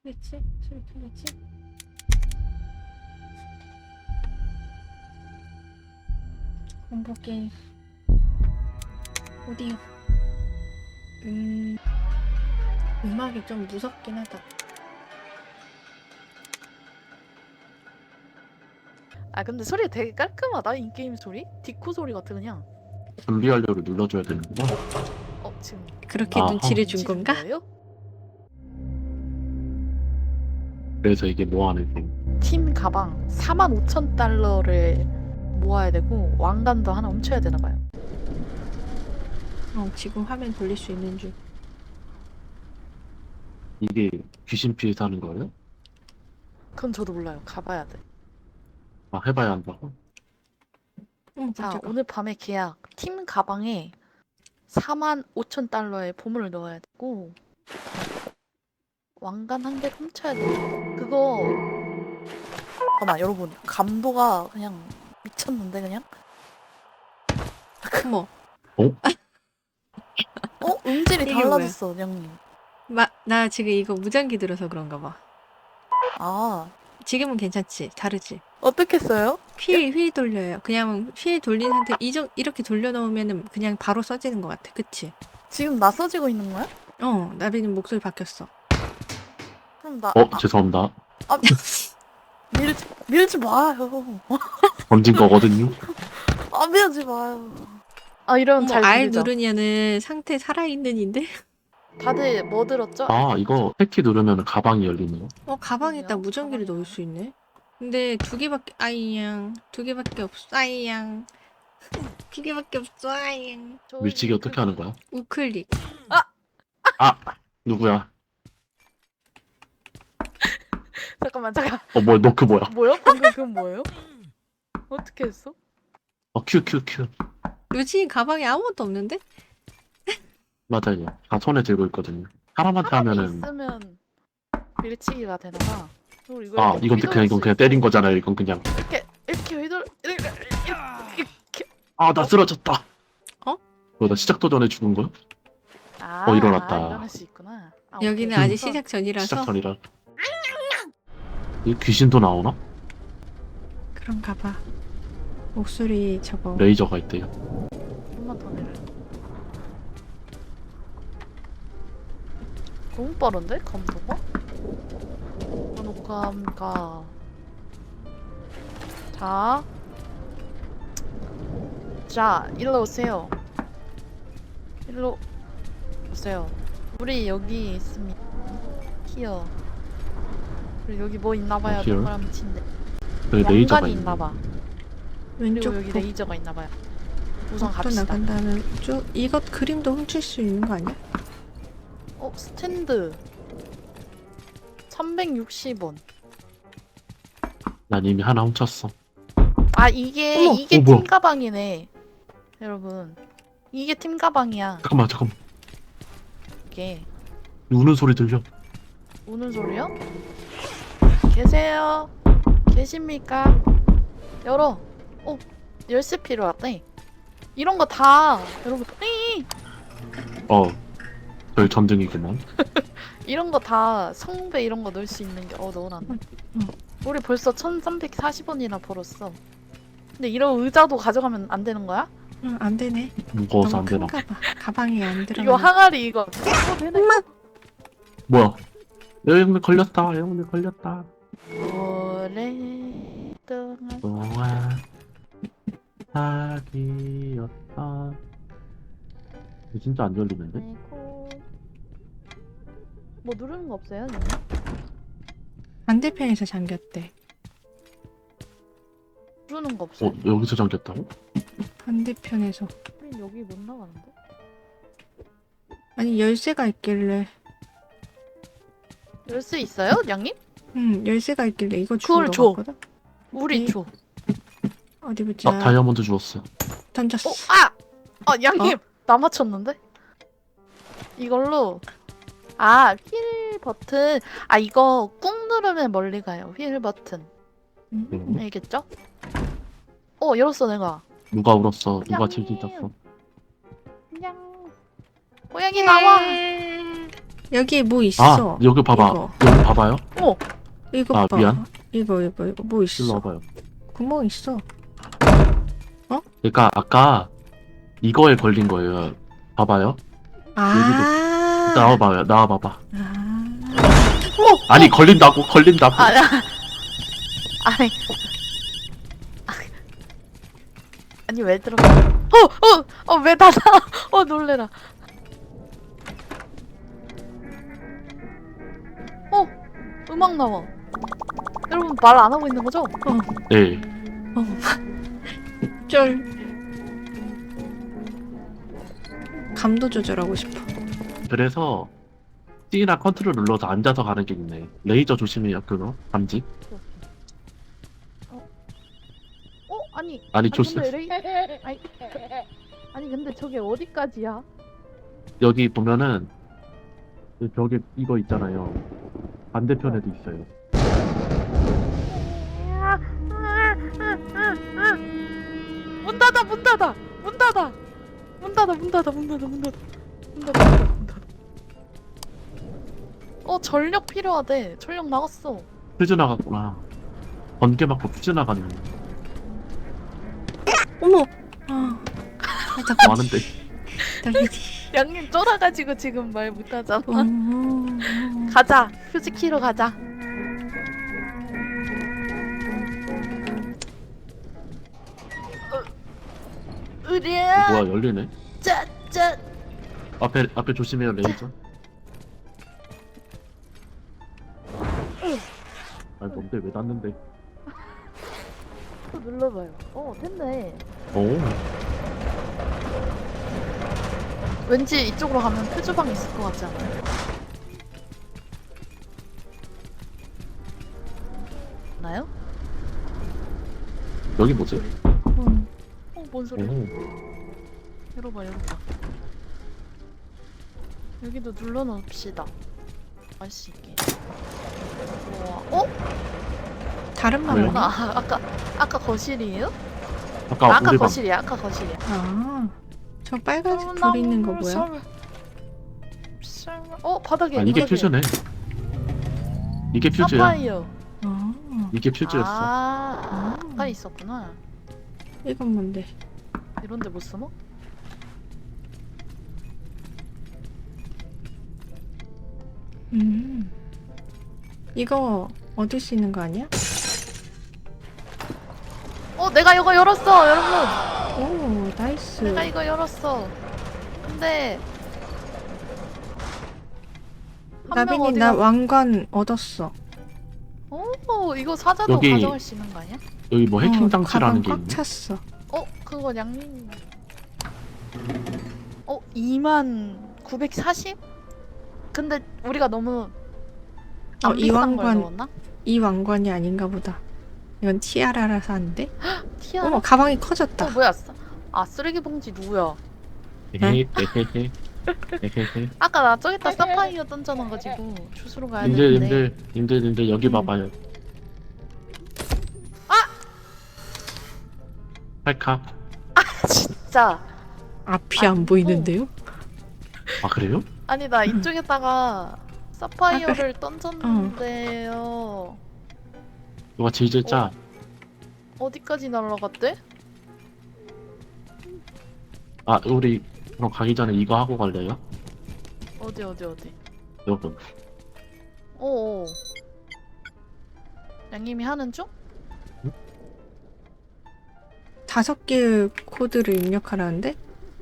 크겠지? 소리 크겠지? 공포 게임 오디오. 음악이 좀 무섭긴 하다. 아 근데 소리 되게 깔끔하다. 인게임 소리? 디코 소리 같아 그냥. 준비하려고 눌러줘야 되는구나. 지금 그렇게 아하. 눈치를 준 눈치 준 건가? 거예요? 그래서 이게 뭐 하는 게 팀 가방 45,000달러를 모아야 되고 왕관도 하나 훔쳐야 되나 봐요. 지금 화면 돌릴 수 있는 줄. 이게 귀신 피해 사는 거예요? 그건 저도 몰라요. 가봐야 돼. 아 해봐야 한다고? 자, 깜짝아. 오늘 밤에 계약. 팀 가방에 45,000달러의 보물을 넣어야 되고 왕관 한 개 훔쳐야 돼. 그거 잠깐만 여러분 감도가 그냥 미쳤는데 그냥? 어머, 음질이 이게 달라졌어 형님. 나 지금 이거 무전기 들어서 그런가 봐. 아 지금은 괜찮지? 다르지? 어떻게 써요? 휠 돌려요. 그냥 휠 돌린 상태 이렇게 돌려놓으면 그냥 바로 써지는 것 같아. 그치? 지금 나 써지고 있는 거야? 나비는 목소리 바뀌었어. 그럼 나 죄송합니다. 밀지 마요. 던진 거거든요. 밀지 마요. 이러면 잘 R 들리죠? 누르냐는 상태 살아있는인데? 다들 뭐 들었죠? 아 이거 패키 누르면 가방이 열리네요. 가방에다 그러네요. 무전기를 가방에 넣을 수 있네. 근데 두 개밖에 없어. 아이양. 두 개밖에 없어. 아이양. 밀치기 어떻게 하는 거야? 우클릭. 아 누구야? 잠깐만. 뭐야 너그 뭐야? 뭐야? 방금 그건 뭐예요? 어떻게 했어? 큐. 요즘 가방에 아무것도 없는데? 맞아요. 다 손에 들고 있거든요. 사람한테 사람이 하면은 있으면 밀치기가 되나 봐. 그리고 이거 이렇게 이건 휘두를 수 그냥 있어. 때린 거잖아요. 이건 그냥 이렇게 이렇게. 나 쓰러졌다. 나 시작도 전에 죽은 거야? 일어났다. 일어날 수 있구나. 여기는 오케이. 아직 시작 전이라서 시작 전이라. 이 귀신도 나오나? 그런가 봐. 목소리 저거. 레이저가 있대요. 좀만 더 내려. 너무 빠른데? 감도가? 녹화함가. 자, 일로 오세요. 일로 오세요. 우리 여기 있습니다. 히어. 그리고 여기 뭐 있나봐요. here? 동그라미 친데. 여기 레이저가 왕관이 있네. 있나봐. 그리고 왼쪽 여기 복. 레이저가 있나봐요. 우선 복도 갑시다. 나간 다음에 쭉 이것 그림도 훔칠 수 있는 거 아니야? 스탠드 360원. 난 이미 하나 훔쳤어. 이게 어머, 팀 뭐야. 가방이네. 여러분. 이게 팀 가방이야. 잠깐만. 이게 우는 소리 들려. 우는 소리요? 계세요? 계십니까? 열어. 열쇠 필요하대. 이런 거 다 여러분 별 전등이구만. 이런 거 다 성배 이런 거 넣을 수 있는 게 넣어놨네. 우리 벌써 1,340원이나 벌었어. 근데 이런 의자도 가져가면 안 되는 거야? 응, 안 되네. 무거워서 너무 안 되나? 큰가 봐. 가방에 안 들어. 이거 항아리 이거. 되네. 뭐야? 여행을 걸렸다. 오랫동안 동안 사귀었다. 이거 진짜 안 열리는데? 알고. 뭐 누르는 거 없어요? 누나? 반대편에서 잠겼대. 누르는 거 없어요? 여기서 잠겼다고? 반대편에서. 우린 여기 못 나가는데? 아니 열쇠가 있길래. 열쇠 있어요? 양님? 열쇠가 있길래 이거 그걸 주우러 줘. 갔거든? 우리 네. 줘. 어디 보자. 다이아몬드 주웠어. 던졌어. 양님! 나 맞췄는데? 이걸로 휠 버튼 이거 꾹 누르면 멀리 가요. 휠 버튼 알겠죠? 열었어 내가. 누가 울었어? 누가 양님. 질질 짰어? 고양이 나와. 여기 뭐 아 있어. 여기 봐봐. 이거. 여기 봐봐요. 이거 아, 봐. 미안. 이거 뭐 일로 있어. 와봐요. 구멍 있어. 그러니까 아까 이거에 걸린 거예요. 봐봐요. 아. 나와봐요. 나와봐봐. 아. 아니 걸린다고. 걸린다고. 아니. 아니 왜 들어가? 왜 닫아? 놀래라. 음악 나와. 여러분 말 안 하고 있는 거죠? 네. 쩔. 감도 조절하고 싶어. 그래서 C나 컨트롤 눌러서 앉아서 가는 게 있네. 레이저 조심해요. 그거 감지. 아니 조심. 근데 아니 근데 저게 어디까지야? 여기 보면은 저기 이거 있잖아요. 반대편에도 있어요. 문 닫아. 전력 필요하대. 전력 나갔어. 퓨즈 나갔구나. 번개 맞고 퓨즈 나갔네. 어머. 아. 살짝 뭐 하는데? 떨리지. 양님 쫄아가지고 지금 말 못하잖아. 음. 가자. 휴지 키로 가자. 으랴. 뭐야 열리네. 짜짜. 앞에 조심해요 레이저. 아 뭔데 왜 닿는데? 또 눌러봐요. 됐네. 오. 왠지 이쪽으로 가면 표주방 있을 것 같지 않아요? 나요? 여기 뭐지? 뭔 소리야? 오. 열어봐. 여기도 눌러놓읍시다. 알 수 있게. 우와. 다른 왜요? 방이야? 아까 거실이에요? 아까 우리 방. 거실이야. 아. 저 빨간색 불 있는 거 뭐야? 바닥에. 아 이게 퓨즈네. 이게 퓨즈야. 사파이어. 아. 이게 퓨즈였어. 아까 있었구나. 이건 뭔데? 이런데 못 숨어? 이거 얻을 수 있는 거 아니야? 내가 이거 열었어, 여러분. 오, 나이스. 내가 이거 열었어. 근데 한 명 나빈이 어디 나 가? 왕관 얻었어. 이거 사자도 여기- 가져갈 수 있는 거 아니야? 여기 뭐 해킹 가방 장치라는 게 꽉 있네. 찼어. 그거 양님. 2940? 근데 우리가 너무 안 이 비싼 걸 왕관- 넣었나? 이 왕관이 아닌가 보다. 이건 티아라라서 안 돼? 티아라? 어머, 가방이 커졌다. 뭐야? 쓰레기 봉지 누구야? 헤헤헤헤. 헤헤헤. 아까 나 저기다 사파이어 던져놔가지고 주스로 가야 님들 되는데. 님들 여기 음. 봐봐요. 팔카. 진짜. 앞이 안 보이는데요? 아 그래요? 아니 나 이쪽에다가 사파이어를 던졌는데요. 누가 질질 짜? 어디까지 날아갔대? 아 우리 그럼 가기 전에 이거 하고 갈래요? 어디? 여러분. 오. 양님이 하는 중? 5개의 코드를 입력하라는데?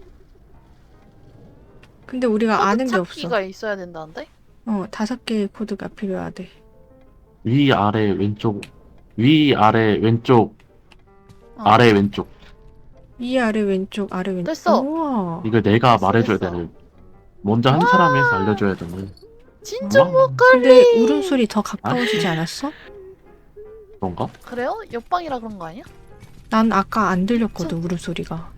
근데 우리가 아는 게 없어. 찾기가 있어야 된다는데? 5개의 코드가 필요하대. 위 아래 왼쪽. 위 아래 왼쪽. 아래 왼쪽. 위 아래 왼쪽 아래 왼쪽. 됐어. 우와. 이거 내가 됐어, 말해줘야 됐어. 되는. 먼저 한 사람이 해서 알려줘야 되는. 진짜 와, 근데 울음소리 더 가까워지지 않았어? 그런가? 그래요? 옆방이라 그런 거 아니야? 난 아까 안 들렸거든 울음소리가.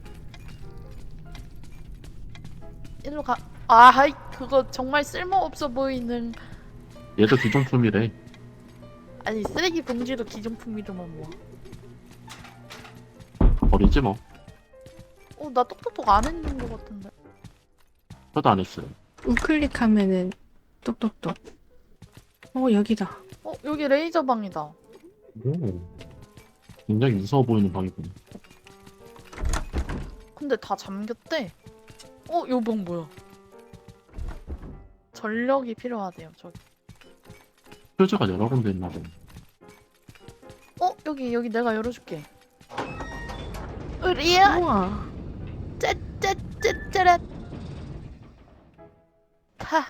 일로 가. 그거 정말 쓸모없어 보이는. 얘도 기존품이래. 아니 쓰레기 봉지도 기존품이더만 뭐. 버리지 뭐. 나 똑똑똑 안 했는 거 같은데. 저도 안 했어요. 우클릭하면은 똑똑똑. 여기다. 여기 레이저 방이다. 오. 굉장히 무서워 보이는 방이구나. 근데 다 잠겼대. 요 방 뭐야? 전력이 필요하대요. 저기. 표지가 여러 군데 있나 보네. 여기 내가 열어줄게. 으리야. 우와. 짜짜짜짜란. 타.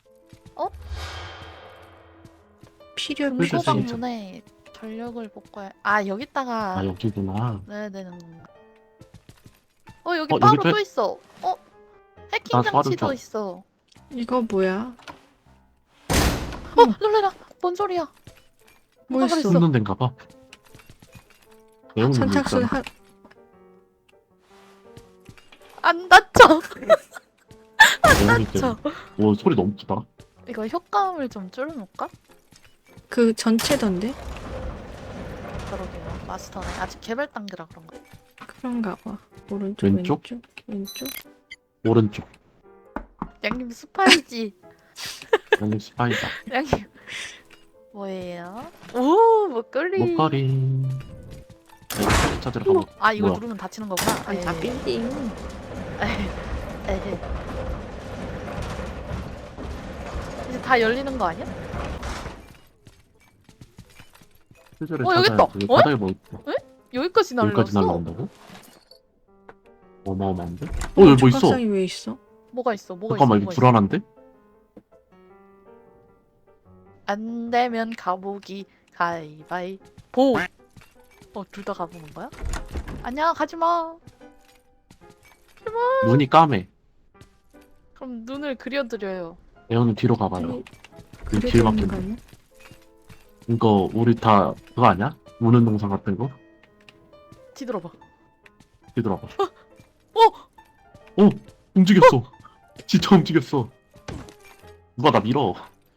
필요 그래서 없어. 진짜. 소방문에 전력을 복구해. 아 여기다가. 아 여기구나. 넣어야 되는 건가? 여기 여기 바로 돼? 또 있어. 해킹 나 바로 장치도 줘. 있어. 이거 뭐야? 놀래라. 뭔 소리야? 뭐 뭐가 있어? 그랬어? 숨는 데인가 봐. 내용이 선착순 있잖아. 한 안 다쳐. 내용이 저. 때문에. 오 소리 너무 크다. 이거 효과음을 좀 줄여놓을까? 그 전체던데? 그러게요. 마스터네. 아직 개발 단계라 그런가? 그런가 봐. 오른쪽 왼쪽? 왼쪽. 오른쪽. 양님 스파이지. 여기 스파이다. 양님 뭐예요? 오 목걸이. 목걸이. 네, 찾으러 가보. 아 이거 뭐야? 누르면 다치는 거구나. 아니 다 빌딩. 에헤. 이제 다 열리는 거 아니야? 표지를 여기 있다. 찾아야지. 바닥에 뭐 있어? 여기까지 여기까지 날라왔어. 날라온다고? 어마어마한데? 여기 뭐 있어? 조각상이 왜 있어? 뭐가 있어? 뭐가 잠깐만 있어? 이거 불안한데? 안 되면 가보기 가위바위보. 둘 다 가보는 거야? 아니야 가지마. 눈이 까매. 그럼 눈을 그려드려요. 애원은 뒤로 가봐요. 아니, 그 그래도 뒤에 있는 거 막힌 아니야? 이거 우리 다 그거 아니야? 우는 동상 같은 거? 뒤돌아봐. 뒤돌아봐. 어! 움직였어. 진짜 움직였어. 누가 나 밀어.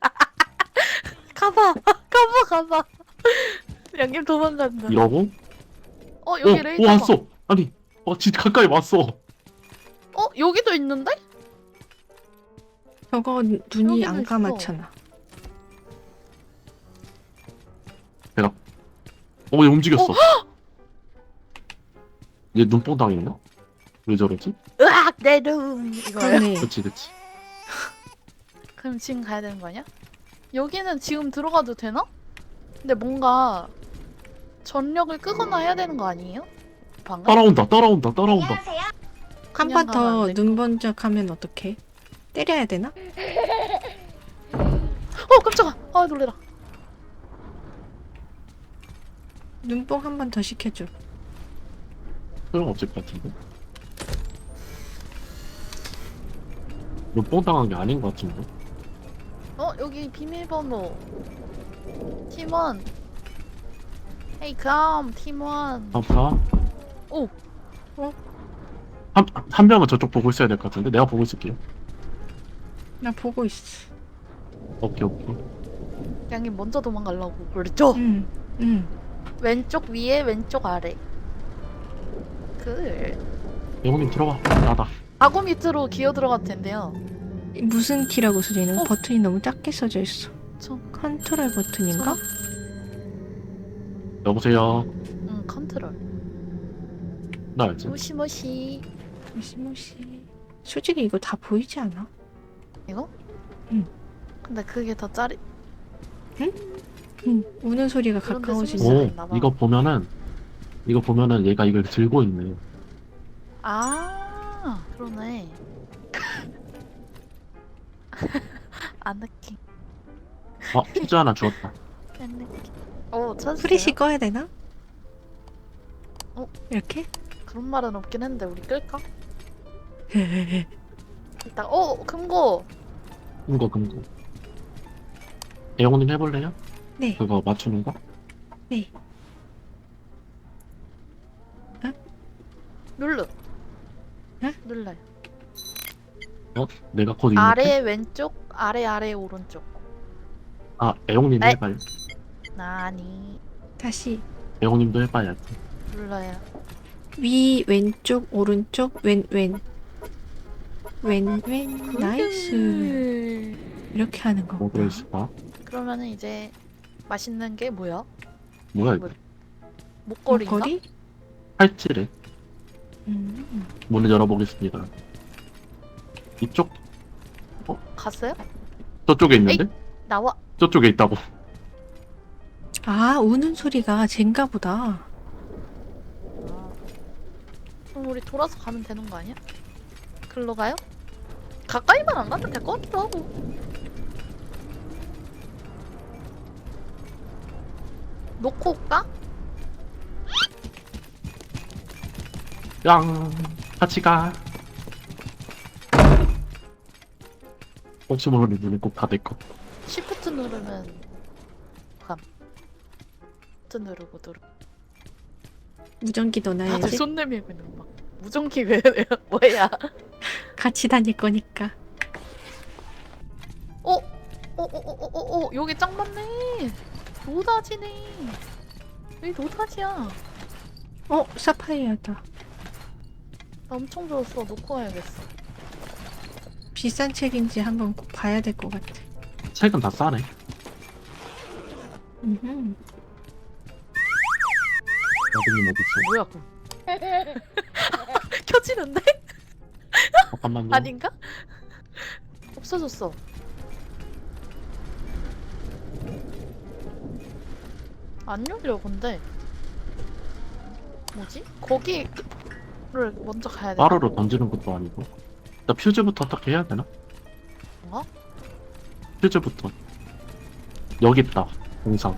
가봐. 가봐. 양님 도망간다. 이러고 여기 레이저. 왔어. 아니 진짜 가까이 왔어. 여기도 있는데? 저거 눈이 여기도 안 있어. 감았잖아. 얘 움직였어. 얘 눈뽕 당했나? 왜 저러지? 으악 내 눈. 이거요? 그러네. 그치. 그럼 지금 가야 되는 거 아니야? 여기는 지금 들어가도 되나? 근데 뭔가 전력을 끄거나 해야 되는 거 아니에요? 방금? 따라온다. 한 그냥 번 가면 더 안 돼. 눈 번쩍하면 어떡해? 때려야 되나? 깜짝아. 놀래라. 눈뽕 한 번 더 시켜줘. 소용없을 것 같은데? 눈뽕 당한 게 아닌 것 같은데? 여기 비밀번호. 팀원. 헤이 컴 팀원. 아파? 오. 한 명은 저쪽 보고 있어야 될 것 같은데? 내가 보고 있을게요. 나 보고 있어. 오케이. 양님 먼저 도망가려고 그랬죠? 응. 왼쪽 위에 왼쪽 아래. 영호님 들어와. 나다. 아구 밑으로 기어 들어갈 텐데요. 무슨 키라고 써져 있는? 버튼이 너무 작게 써져 있어. 저 컨트롤 버튼인가? 여보세요. 컨트롤. 나 알지? 모시모시. 무시무시. 솔직히 이거 다 보이지 않아? 이거? 응. 근데 그게 더 짜리. 응. 우는 소리가 그런데 가까워진다. 숨을 오, 있나 봐. 이거 보면은 얘가 이걸 들고 있네. 그러네. 안 느낌. 퓨즈 하나 주웠다. 안 느낌. 찾았어요? 프리시 꺼야 되나? 어? 이렇게? 그런 말은 없긴 했는데 우리 끌까? 일단 금고. 금고. 영호님 해볼래요? 네. 그거 맞추는 거? 네. 눌러. 응? 눌러요. 내가 곧 있는데? 아래 왼쪽, 아래 오른쪽. 애용님이 에이. 해봐요. 나니. 다시 애용님도 해봐야지. 눌러요. 위 왼쪽 오른쪽 왼 나이스. 이렇게 하는 뭐 거구나. 들어있을까? 그러면은 이제 맛있는 게 뭐야? 뭐야 이거? 목걸이인가? 목걸이? 팔찌래. 음. 문을 열어보겠습니다. 이쪽? 갔어요? 저쪽에 있는데? 나와. 저쪽에 있다고. 아, 우는 소리가 젠가 보다. 그럼 우리 돌아서 가면 되는 거 아니야? 글로 가요? 가까이만 안 가도 될 것 같기도 하고. 놓고 올까? 양 같이 가. 혹시 모르니 눈이 꼭 다 내꺼. 시프트 누르면 감. 시프트 누르고 무전기 다들 넣어놔야지. 손 내밀고 있는 거 막. 무전기 왜 뭐야? 같이 다닐 거니까. 여기 짱 많네. 노다지네. 여기 노다지야. 나 사파이어다. 엄청 좋았어. 놓고 가야겠어. 비싼 책인지 한번 꼭 봐야 될 것 같아. 책은 다 싸네. 음흠. 나비님 어딨어? 뭐야 그럼? 켜지는데? 잠깐만요. 아닌가? 없어졌어. 안 열려 근데. 뭐지? 거기를 먼저 가야 돼. 빠르로 던지는 것도 아니고. 나 퓨즈부터 어떻게 해야 되나? 뭐? 퓨즈부터. 여기 있다. 공상.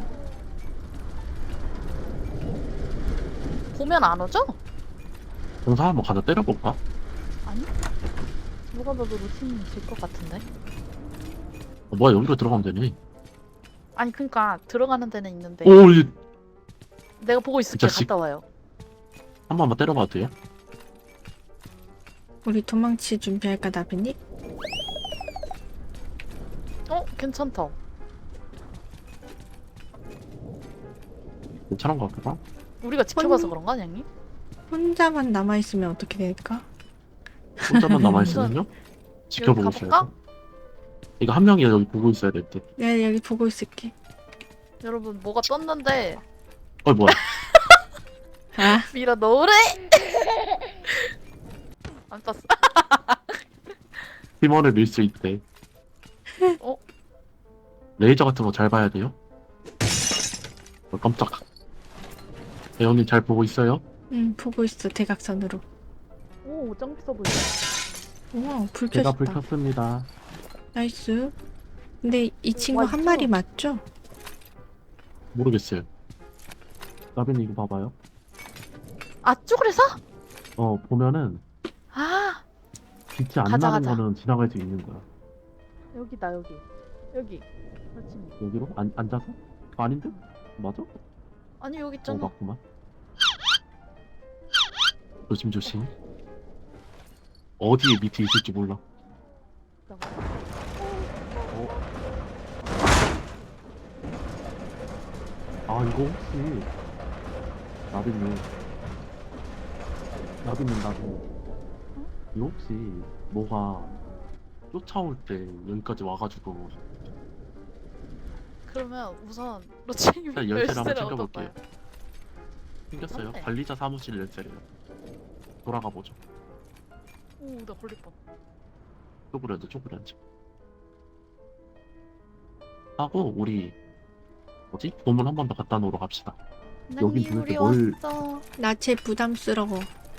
보면 안 오죠? 공상 한번 가서 때려볼까? 아니? 누가 봐도 루틴이 질것 같은데? 뭐야 여기로 들어가면 되네. 아니 그니까 들어가는 데는 있는데 오, 이 내가 보고 있을게. 자식. 갔다 와요. 한 번만 때려봐도 돼요? 우리 도망치 준비할까, 나비님? 괜찮다. 괜찮은 것 같기도 하고. 우리가 지켜봐서 그런가 양님? 혼자만 남아있으면 어떻게 될까? 혼자만 남아있으면요? 여기 지켜보고 있어야 가볼까? 돼. 이거 한 명이 여기 보고 있어야 될 듯. 내가 여기 보고 있을게. 여러분 뭐가 떴는데 뭐야. 아, 밀어 넣으래! 안 떴어. 팀원을 밀 수 있대. 어? 레이저 같은 거 잘 봐야 돼요? 깜짝. 대원님 잘 보고 있어요? 보고 있어, 대각선으로. 오, 짱 비싸 보여. 우와, 불 제가 켜졌다. 불 켰습니다. 나이스. 근데 이 친구 와, 한 이거. 마리 맞죠? 모르겠어요. 나빈이 이거 봐봐요. 아, 쪼그려서? 보면은 아, 빛이 안 가자, 나는 가자. 거는 지나갈 수 있는 거야. 여기다, 여기. 여기. 그렇지. 여기로? 앉아서? 아닌데? 맞아? 아니, 여기 있잖아. 맞구만. 조심조심. 어디에 밑에 있을지 몰라. 아 이거 혹시 나비님 이거 혹시 뭐가 쫓아올 때 여기까지 와가지고 그러면 우선 로치님 일단 열쇠를 한번 열쇠를 챙겨볼게요. 얻어봐요. 생겼어요. 그런데. 관리자 사무실 열쇠래요. 돌아가 보죠. 오, 나 걸릴 뻔. 쪼그려앉아. 하고 우리 뭐지? 보물 한 번 더 갖다 놓으러 갑시다. 여기 님 도대체 우리 뭘- 왔어. 나체 부담스러워.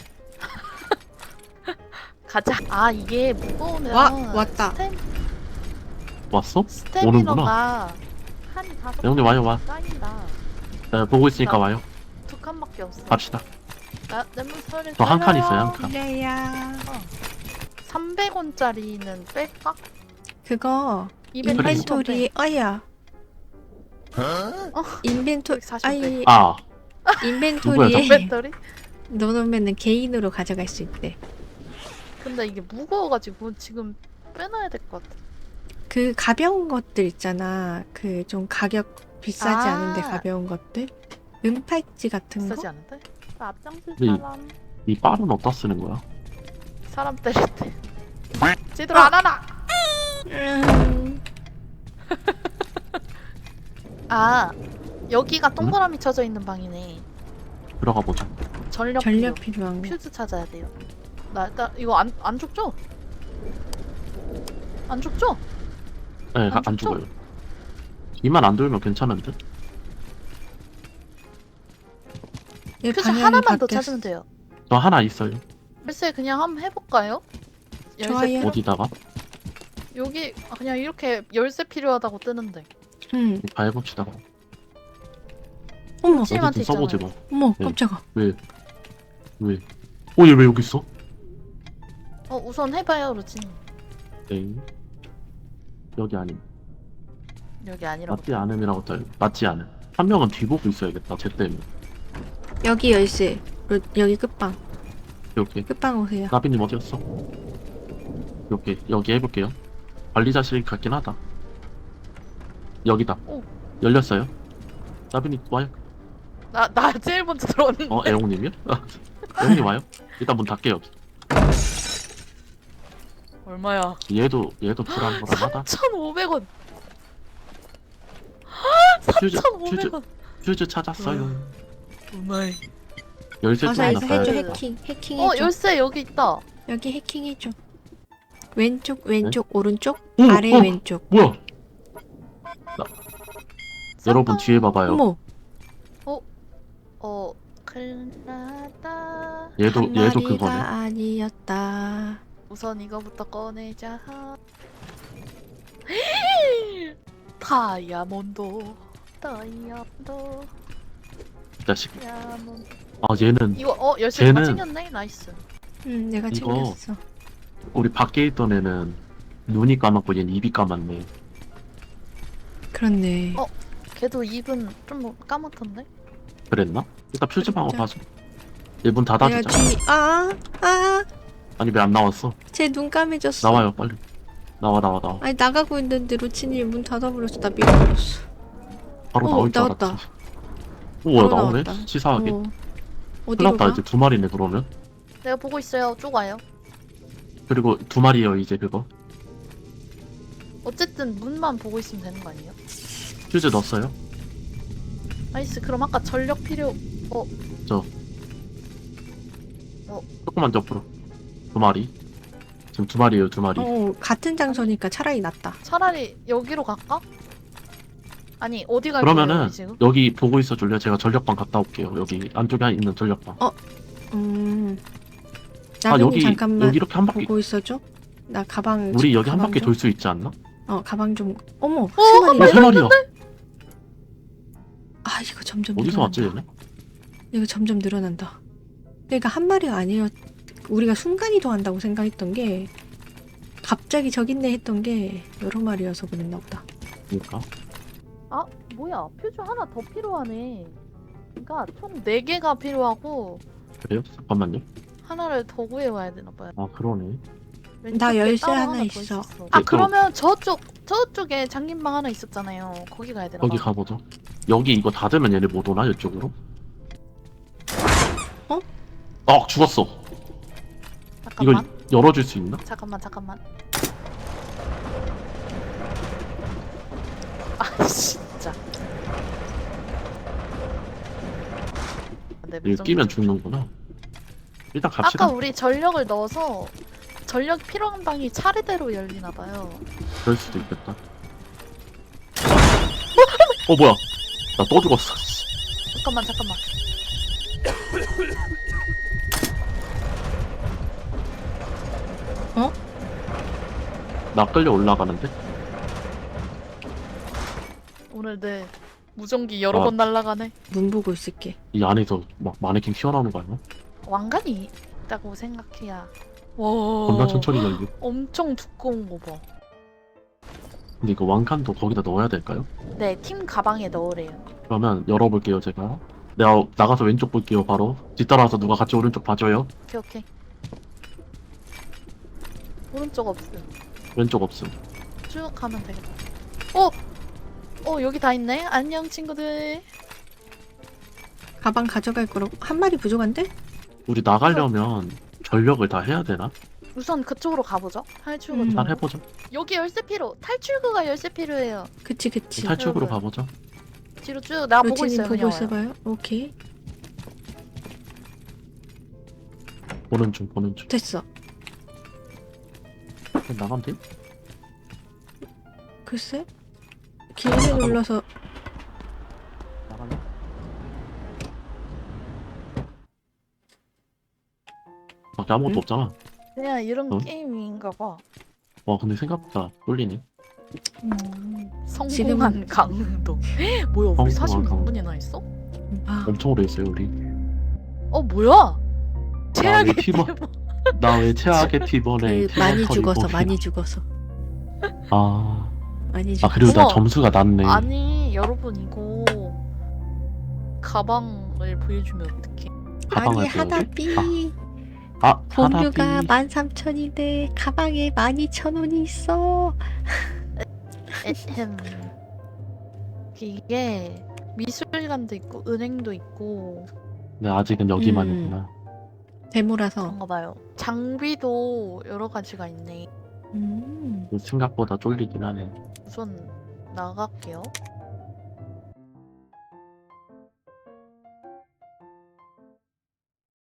가자. 아, 이게 무거우면 왔다. 왔어? 스태미너가 한이 다섯 네, 형님 와요 와. 쌓인다. 네, 보고 있으니까 나- 와요. 두 칸밖에 없어. 갑시다. 내 물소리 저 한 칸 있어요, 한 칸. 그래야. 300원짜리는 뺄까? 그거 인벤토리 어야. 인벤토리 140원 아이 아, 인벤토리에 배터리? 넣어놓으면 개인으로 가져갈 수 있대. 근데 이게 무거워가지고 지금 빼놔야 될 것 같아. 그 가벼운 것들 있잖아. 그 좀 가격 비싸지 아. 않은데 가벼운 것들. 은팔찌 같은 비싸지 거? 않은데? 그 앞장쓸 네. 사람. 이 빨은 어디다 쓰는 거야? 사람 때릴 때. 제대로 안 하나! 음, 아 여기가 동그라미 쳐져 있는 방이네. 들어가 보자. 전력 전력 필요. 필요한 거. 퓨즈 찾아야 돼요. 나 이거 안 죽죠? 안 죽죠? 네, 안 안 죽죠? 죽어요. 이만 안 돌면 괜찮은데? 얘 퓨즈 방향이 하나만 더 바뀌었어. 찾으면 돼요. 저 하나 있어요. 글쎄 그냥 한번 해볼까요? 열쇠 좋아요. 필요? 어디다가? 여기 그냥 이렇게 열쇠 필요하다고 뜨는데. 응. 다 해봅시다. 어머, 어디 팀한테 좀 써보지 있잖아요. 뭐. 어머, 네. 깜짝아. 왜? 왜? 얘 왜 여기 있어? 우선 해봐요 루친. 네. 여기 아님. 여기 아니라고. 맞지 않음이라고 떠요. 맞지 않음. 한 명은 뒤보고 있어야겠다. 쟤 때문에. 여기 열쇠. 여기 끝방. 이렇게. 끝방 오세요. 나비님 어디였어? 이렇게 여기 해볼게요. 관리자실 같긴 하다. 여기다. 오. 열렸어요. 나비님 와요. 나 제일 먼저 들어왔는데. 애용님이요? 애용님 와요? 일단 문 닫게요. 얼마야? 얘도 불안불안하다. 3,500원. 퓨즈 3,500원. 퓨즈 찾았어요. 오마이. 열쇠 어서 좀 이거 해줘. 놨어요. 해킹해줘. 열쇠 여기 있다. 여기 해킹해줘. 왼쪽, 오른쪽, 오, 아래, 오. 왼쪽. 뭐야? 여러분 뒤에 봐봐요. 어머, 큰일났다. 얘도 한 마리가 그거네. 아니었다. 우선 이거부터 꺼내자. 다이아몬드. 이 자식. 다이아몬드. 아 얘는 이거 열쇠 다 쟤는- 챙겼네. 나이스. 응, 내가 이거- 챙겼어. 우리 밖에 있던 애는 눈이 까맣고 얘는 입이 까맣네. 그렇네. 걔도 입은 좀 까맣던데? 그랬나? 일단 퓨즈 방어 진짜. 봐줘. 얘 문 내가 닫아주자. 뒤, 아니 왜 안 나왔어? 제 눈 까매졌어. 나와요 빨리. 나와. 아니, 나가고 있는데 로치님이 문 닫아버렸어. 나 밀어버렸어. 바로 오, 나올 줄 나왔다. 알았지. 오 바로 나오네. 나왔다. 치사하게. 어. 큰일 어디로 났다. 가? 이제 두 마리네 그러면. 내가 보고 있어요. 쭉 와요. 그리고 두 마리요 이제 그거. 어쨌든 문만 보고 있으면 되는 거 아니에요? 퓨즈 넣었어요. 나이스. 그럼 아까 전력 필요. 조금만 더 앞으로. 두 마리. 지금 두 마리예요 두 마리. 같은 장소니까 차라리 낫다. 차라리 여기로 갈까? 아니 어디 갈 그러면은 거예요 지금? 여기 보고 있어 줄래요? 제가 전력방 갔다 올게요. 여기 안쪽에 있는 전력방. 나는 여기 잠깐만 여기 이렇게 한 바퀴. 보고 있어줘. 나 가방. 우리 여기 한 가방 바퀴 좀. 돌 수 있지 않나? 가방 좀. 어머, 어, 세 마리. 세 마리야. 아, 이거 점점 어디서 왔지 늘어난다. 얘네? 이거 점점 늘어난다. 그러니까 한 마리가 아니라 우리가 순간 이동한다고 생각했던 게 갑자기 저기 있네 했던 게 여러 마리여서 그랬나 보다. 그러니까. 뭐야 퓨즈 하나 더 필요하네. 그러니까 총 4개가 필요하고 그래요? 잠깐만요. 하나를 더 구해와야 되나 봐요. 아 그러네. 나 왼쪽에 열쇠 따로 하나 더 있어. 있었어. 네, 그러면 저쪽에 장님방 하나 있었잖아요. 거기 가야 되나 거기 봐. 가보죠. 여기 이거 닫으면 얘네 못 오나 이쪽으로? 죽었어. 이거 잠깐만. 열어줄 수 있나? 잠깐만. 아 진짜. 네, 이거 무전기 끼면 좀- 죽는구나. 일단 갑시다. 아까 우리 전력을 넣어서 전력 필요한 방이 차례대로 열리나 봐요. 그럴 수도 있겠다. 뭐야? 나 또 죽었어. 잠깐만. 나 끌려 올라가는데? 오늘 내 무전기 여러 아. 번 날아가네. 문 보고 있을게. 이 안에서 막 마네킹 튀어나오는 거 아니야? 왕관이 있다고 생각해야. 겁나 와. 천천히 열려. 엄청 두꺼운 거 봐. 근데 이거 왕칸도 거기다 넣어야 될까요? 네, 팀 가방에 넣으래요. 그러면 열어볼게요 제가. 내가 나가서 왼쪽 볼게요 바로. 뒤따라와서 누가 같이 오른쪽 봐줘요. 오케이. 오른쪽 없음. 왼쪽 없음. 쭉 가면 되겠다. 여기 다 있네. 안녕 친구들. 가방 가져갈 거라고. 한 마리 부족한데? 우리 나가려면 전력을 다 해야 되나? 우선 그쪽으로 가보죠. 탈출구 음. 쪽. 잘 해보죠. 여기 열쇠 필요. 탈출구가 열쇠 필요해요. 그치. 탈출구로 여러분. 가보죠. 뒤로 쭉 내가 보고 루치님 있어요. 보고 그냥 와요. 있어봐요. 오케이. 보는 중, 보는 중. 됐어. 그럼 나가면 돼? 글쎄? 길게 눌러서 나갈래? 밖에 아무것도 응? 없잖아. 그냥 이런 어? 게임인가 봐. 와, 근데 생각보다 쫄리네. 성공한 지금은- 강도. 뭐야 우리 성공한 강도. 46분이나 했어? 아, 엄청 오래 했어요, 우리. 뭐야? 최악의 왜 팀원- 팀원. 나 왜 최악의 팀원에 그 많이 팀원 죽어서 털이고 많이 죽어서 아, 많이 아 죽어서. 그리고 나 어머. 점수가 낮네. 아니 여러분 이거 가방을 보여주면 어떡해? 가방을 아니 보여줘? 하다비 아, 공유가 하다비. 13,000인데 가방에 12,000원이 있어. 에헴. 이게 미술관도 있고 은행도 있고 네, 아직은 여기만이구나. 데모라서. 그런가 봐요. 장비도 여러 가지가 있네. 음. 생각보다 쫄리긴 하네. 우선 나갈게요.